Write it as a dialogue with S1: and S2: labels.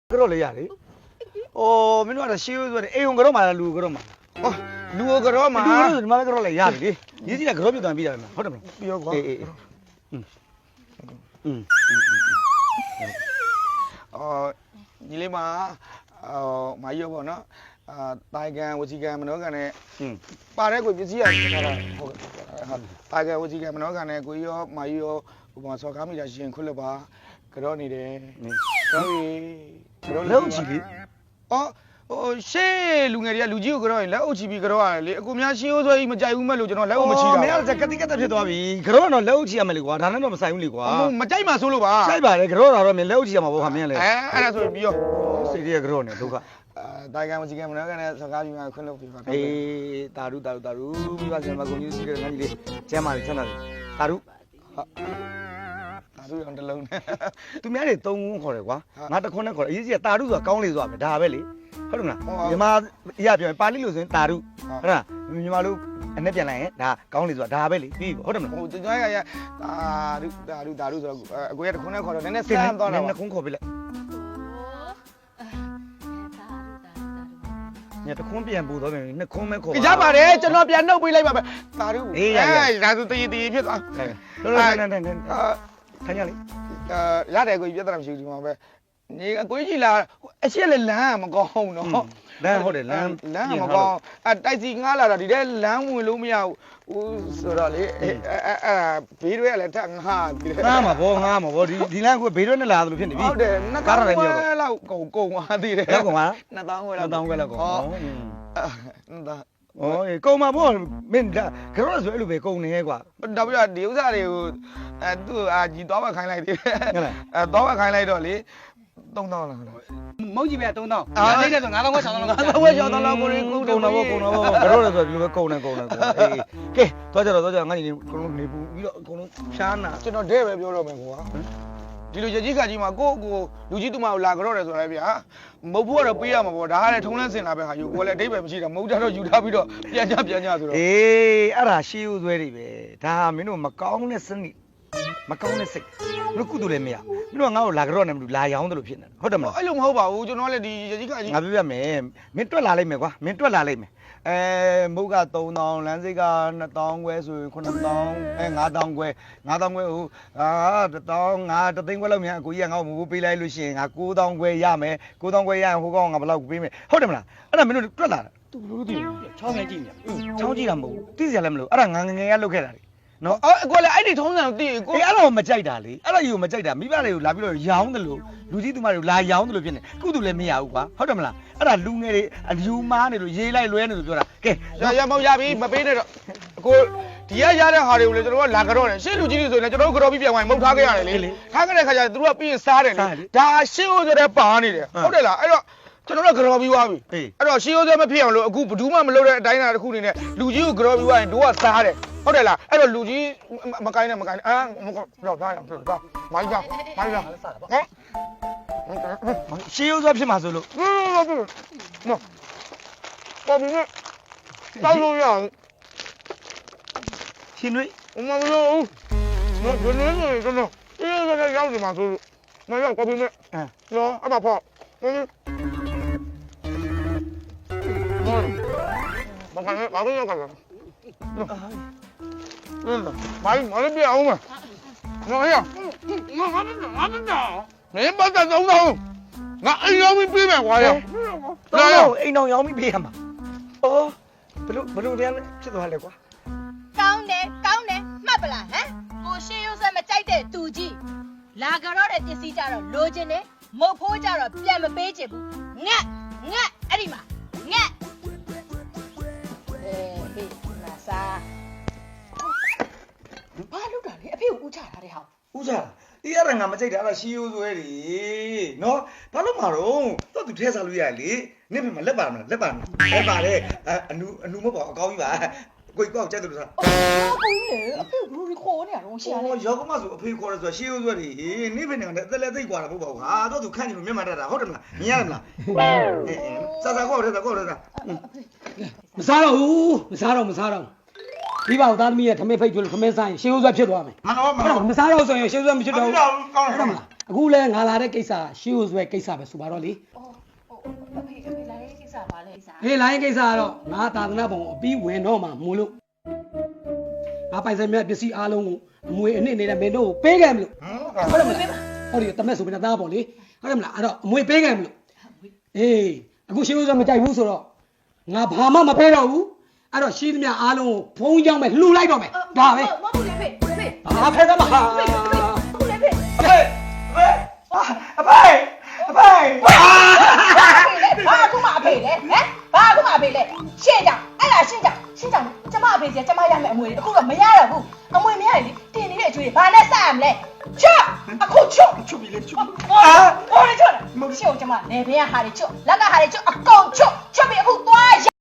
S1: ကတော့လေရတယ်ဩမင်းတို့ကတော့ရှေးရိုးဆိုတယ်အိမ်ုံကတော့မှလားလူကတော့မှ
S2: ဟောလူကတော့မှာ
S1: လူကတော့ဒီမှာကတော့လေရတယ်လေရေးစီကကတော့ပြတ်သွားပြီးတယ်ဟုတ်တယ်မလား
S2: ပြောကွာညီလေးမမာကြီးရောပေါ့နော်တိုင်ကန်ဝစီကန်မနောကန်နဲ့ပါတဲ့ကိုပစ္စည်းရထားတာဟုတ်တိုင်ကန်ဝစီကန်မနောကန်နဲ့ကိုရောမာကြီးရောဟိုမှာစော်ကားမိတာရှင်ခွတ်လက်ပါကြောနေတယ်ကြောပြီကြော
S1: လက်ဦးချီလေ
S2: အော်ဟိုရှေးလူငယ်တွေကလူကြီးကိုကြောရင်လက်အုပ်ချပြီးကြောရတယ်လေအခုများရှင်းရိုးဆွဲကြီးမကြိုက်ဘူးမဲ့လို့ကျွန်တော်လက်အုပ်မချတာ
S1: မင်းကကတိကတ်ဖြစ်သွားပြီကတော့တော့လက်ဦးချရမယ်လေကွာဒါနဲ့တော့မဆိုင်ဘူးလေကွာ
S2: မကြိုက်မှဆိုးလို့ပါ
S1: ဆိုင်ပါတယ်ကတော့တော့မင်းလက်ဦးချရမှာပေါ့ခါမင်းလေ
S2: အဲ့ဒါဆိုပြီးရော
S1: စိတ်ရဲ့ကတော့နေဒုက္ခ
S2: တိုင်ကန်ဝစီကန်မနောကန်နဲ့စော်ကားပြီးမှခွတ်လက်ပြီးပါ
S1: အေးတာရုမိဘဆင်မကုန်ကြီးစီးတဲ့ငန်းကြီးလေးကျမ်းမာလေးချမ်းသာလေးတာရု
S2: ဒါဆိုရင်တလုံးနဲ့
S1: သူများတွေ3ခုခေါ်တယ်ကွာငါတခွန်းနဲ့ခေါ်တယ်အရေးကြီးကတာရုဆိုတာကောင်းလေဆိုတာပဲဒါပဲလေဟုတ်တယ်မလားမြန်မာအရာပြောရင်ပါဠိလိုဆိုရင်တာရုဟုတ်လားမြန်မာလိုအနဲ့ပြန်လိုက်ရင်ဒါကောင်းလေဆိုတာဒါပဲလေပြီးဟုတ်တယ်မလား
S2: ဟိုကျွန်တော်ရဒါရုဆိုတော့အကိုရတခွန်းနဲ့ခေါ်တော့နည်းနည်းဆန်းသွားတာပါ
S1: နှစ်ခုခေါ်ပြလိုက်ညတခွန်းပြန်ပို့တော့ပြန်နှစ်ခွန်းပဲခေါ်
S2: ကြပါတယ်ကျွန်တော်ပြန်နှုတ်ပေးလိုက်ပါမယ်ဒါရုဒါဆိုတည်ဖြစ်သွား
S1: လောလောဆန်းထိုင်ရလေ
S2: ရတယ်ကိုပြဿနာမရှိဘူးဒီမှာပဲနေအကိုကြီးလာအရှက်လည်းလမ်းမကောင်းတော့
S1: လမ်းဟုတ်တယ်လမ်း
S2: မကောင်းတိုက်စီငားလာတာဒီထဲလမ်းဝင်လို့မရဘူးဆိုတော့လေဘေးတွေကလည်းတက်ငားပြီးတယ်
S1: ငားမှာဗောဒီလမ်းကဘေးရွက်နဲ့လာသလိုဖြစ်နေပြီ
S2: ဟုတ်တယ်ကားရတယ်မြောက်တော့လောက်ကုန်သွားသေးတယ်
S1: ရောက်ကုန်ပါ
S2: 2000ခွဲလောက်
S1: 2000ခွဲလောက်ကုန်
S2: ဒါ
S1: ဩကုန်မှာဗောမင်းကတော့ဆိုအဲ့လိုပဲကုန်နေကွာ
S2: တော့ပြီးတော့ဒီဥစ္စာတွေကိုသူ့ကြီးသွားမခိုင်းလိုက်သေးတယ်
S1: ဟုတ်လား
S2: သွားမခိုင်းလိုက်တော့လေ3000လား
S3: မုတ်ကြီးပဲ3000အားလေးတဲ့ဆို9000ခွဲ6000လောက်
S2: 5000ခွဲ6000လောက်ကိုရင်းကုန်
S1: ကုန်တော့ဗောကတော့ဆိုဒီလိုပဲကုန်နေအေးကဲသွားကြတော့ငါညီနေကုန်လုံးနေပူပြီးတော့အကုန်လုံးဖြားနာ
S2: ကျွန်တော်တဲ့ပဲပြောတော့မယ်ကွာဒီလိုရကြီးခါကြီးမှာကိုလူကြီးသူမကိုလာကြတော့တယ်ဆိုရဲဗျာမုတ်ဖို့ကတော့ပေးရမှာပေါ့ဒါကလည်းထုံးလန်းစင်လာပဲဟာယူကိုလည်းအတိတ်ပဲမရှိတာမုတ်တော့ယူထားပြီးတော့ပြန်ကြဆိုတော့
S1: အေးအဲ့ဒါရှေးဦးဆွဲတွေပဲဒါမင်းတို့မကောင်းတဲ့စနစ်မကောင်းတဲ့စိတ်ဘယ်ကုသိုလ်လည်းမရမင်းတို့ကငါ့ကိုလာကြတော့နေမလို့လာရောင်းတယ်လို့ဖြစ်နေဟုတ်တယ်မလား
S2: အဲ့လိုမဟုတ်ပါဘူးကျွန်တော်လည်းဒီရကြီးခါကြီး
S1: ငါပြပြမယ်မင်းတွက်လာလိုက်မယ်ကွာမင်းတွက်လာလိုက်မယ်မုတ်က3000လမ်းစိတ်က2000ခွဲဆိုရင်9000 9000ခွဲ9000ခွဲဟို1000ငါ3သိန်းခွဲလောက်မြန်အကိုကြီးကငါ့ကိုမပေးလိုက်လို့ရှိရင်ငါ9000ခွဲရမယ်9000ခွဲရရင်ဟိုကောင်ငါဘယ်လောက်ပေးမယ်ဟုတ်တယ်မလားအဲ့ဒါမင်းတို့တွက်လာတာသူဘလို့သိလဲ
S3: ချောင်းငယ်ကြည့်နေ
S1: ချောင်းကြည့်တာမဟုတ်ဘူးသိစရာလည်းမလိုအဲ့ဒါငါငယ်ရလုပ်ခဲ့တာလေနော်
S2: အကိုလည်းအဲ့ဒီထုံးစံကိုသိကို
S1: အဲ့ဒါကိုမကြိုက်တာလေအဲ့ဒါကြီးကိုမကြိုက်တာမိဘတွေကိုလာပြီးတော့ရောင်းတယ်လို့လူကြီးသူမတွေကိုလာရောင်းတယ်လို့ဖြစ်နေကုသူလည်းမရဘူးကွာဟုတ်တယ်မလားအဲ့ဒါလူငယ်တွေအလူမားနေလို့ရေးလိုက်လွဲနေလို့ပြောတာကဲ
S2: ရမောက်ရပြီမပေးနဲ့တော့အကိုဒီရရတဲ့ဟာတွေကိုလည်းကျွန်တော်ကလာကြတော့တယ်ရှေ့လူကြီးတွေဆိုရင်လည်းကျွန်တော်တို့ကြော်ပြီးပြန်ဝင်မုတ်ထားခဲ့ရတယ်လေထားခဲ့တဲ့ခါကျသူတို့ကပြီးရင်စားတယ်လေဒါရှေ့ဦးဆိုတဲ့ပါနေတယ်ဟုတ်တယ်လားအဲ့တော့ကျွန်တော်တို့ကြော်ပြီးသွားပြီအဲ့တော့ရှေ့ဦးဆိုမဖြစ်အောင်လို့အခုဘယ်သူမှမလုပ်တဲ့အတိုင်းအတာတစ်ခုနေနဲ့လူကြီးကိုကြော်ပြီးသွားရင်တို့ကစားတယ်ဟုတ်တယ်လားအဲ့တော့လူကြီးမကိုင်းနဲ့တော့သားရအောင်သားမိုင်းကြဟမ်
S1: ရှေးရိုးစွာဖြစ်မှာဆိုလို့
S2: နော်ပေါ်ပြီးနဲ့တောက်လို့ရအောင်
S1: ရှင်တွေ
S2: မမလို့နော်ဒီနေ့နေကျွန်တော်အေးရောက်နေမှာဆိုလို့မရောက်ပေါ်ပြီးနဲ့နော်အမဖောက်ဘာကနေဘာလို့ရောက်ကြလဲမိုင်းမလေးပြအောင်မနော်ဟဲ့ငါမင်းပတ်တဲ့သုံးတော့ငါအိမ်ရောက်ပြီးပြေးမယ်ကွာရော
S1: တော့အိမ်တော်ရောင်းပြီးပေးရမှာအော်ဘလို့တရားလဲဖြစ်သွားလဲကွာ
S4: ကောင်းတယ်မှတ်ပလားဟမ်ကိုရှေးရုပ်ဆက်မကြိုက်တဲ့သူကြီးလာကြတော့တဲ့ပစ္စည်းကြတော့လိုချင်တယ်မုတ်ဖိုးကြတော့ပြန်မပေးချင်ဘူးငက်အဲ့ဒီမှာငက်ဟေးနာစာဘာလုပ်တာလဲအဖေကိုဦးချထားတဲ့ဟာ
S1: ဦးစားဒီအဲ့ဒါငါမကြိုက်တာအဲ့ဒါရှေးရိုးဆွဲတွေနော်ဘာလို့မှာတော့သူထဲစားလို့ရလေနင့်မလက်ပါမလားလက်ပါတယ်အနူမပေါ့အကောင်းကြီးပါကိုကြီးကောက်ကြိုက်တယ်လို့ဆိုတာ
S4: အော်ကိုကြီးလေအဖေကဘယ်လိုခေါ်နေရတော့ရှာလဲ
S1: ရောက်ကမဆိုအဖေခေါ်တယ်ဆိုတာရှေးရိုးဆွဲတွေနေ့ဖက်နေတယ်အသက်လည်းသိကွာတာမဟုတ်ပါဘူးဟာတော့သူခန့်နေလို့မျက်မှန်တတ်တာဟုတ်တယ်မလားမြင်ရတယ်မလားစားကောက်တယ်ကောက်တယ်
S3: မစားတော့ဒီပါဦးသားသမီးရဲ့ထမင်းဖိတ်ကျွလို့ထမင်းဆိုင်ရှေးဥစွာဖြစ်သွားမယ်
S1: မနော်
S3: မစားတော့ဆိုရင်ရှေးဥစွာမဖြစ်တော့ဘူး
S1: ကောင်းတယ်
S3: အခုလဲငါလာတဲ့ကိစ္စရှေးဦးဆွဲကိစ္စပဲဆိုပါတော့လေ
S4: ဟိုအဖေလာရေးကိစ္စပါလေကိစ္စ
S3: ဟေးလိုင်းကိစ္စကတော့ငါသာသနာ့ဘုံအပြီးဝင်တော့မှမို့လို့ငါပိုင်ဆိုင်မြတ်ပစ္စည်းအားလုံးကိုအမွေအနှစ်နေတဲ့မင်းတို့ကိုပေးခဲ့မလို့ဟုတ်တယ်မလားဟောဒီတမက်ဆိုပြီးသားပေါ့လေဟုတ်တယ်မလားအဲ့တော့အမွေပေးခဲ့မလို့အေးအခုရှေးဦးဆွဲမကြိုက်ဘူးဆိုတော့ငါဘာမှမပေးတော့ဘူးအဲ့တော့ရှိသမျှအားလုံးကိုဘုံကြောင်းပဲလှူလိုက်တော့မယ်ဒါပဲ
S4: မဟုတ်ဘူးလေဖေဖေ
S3: ဘာဖဲတော့မှာ
S4: ဟုတ်လေဖေ
S1: အဖေအဖေအဖေ
S4: ဘာခုမှအဖေလေဟမ်ဘာခုမှအဖေလေရှင်းကြအဲ့ဒါရှင်းကြကျမအဖေစီကျမရမယ်အမွေအခုတော့မရတော့ဘူးအမွေမရရင်တင်နေတဲ့အကျွေးဘာနဲ့စရမလဲချွတ်အခုချွတ်ပြီလေချွတ်ဟိုလေချွတ်ရှင်းကိုကျမလေဘေးကဟာတွေချွတ်လက်ကဟာတွေချွတ်အကုန်ချွတ်ပြီအခုသွား